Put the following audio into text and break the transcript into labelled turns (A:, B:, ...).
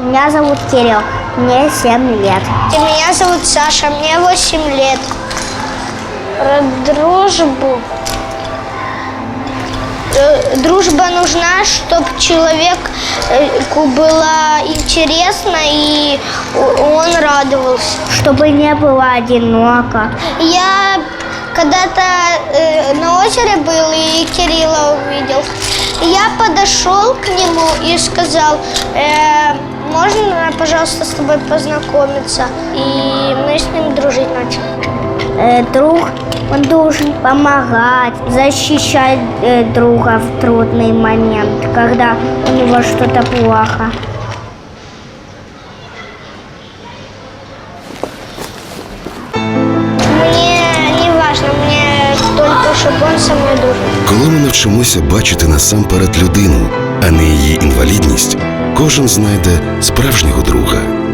A: Меня зовут Кирилл, мне 7 лет.
B: Меня зовут Саша, мне 8 лет. Про дружбу. Дружба нужна, чтобы человеку было интересно и он радовался.
A: Чтобы не было одиноко.
B: Я когда-то на озере был и Кирилла увидел. Я подошел к нему и сказал: можно, пожалуйста, с тобой познакомиться? И мы с ним дружить начали.
A: Друг, он должен помогать, защищать друга в трудный момент, когда у него что-то плохо.
B: Мне не важно, мне только, щоб він со мною дружив.
C: Коли ми навчимося бачити насамперед людину, а не її інвалідність, кожен знайде справжнього друга.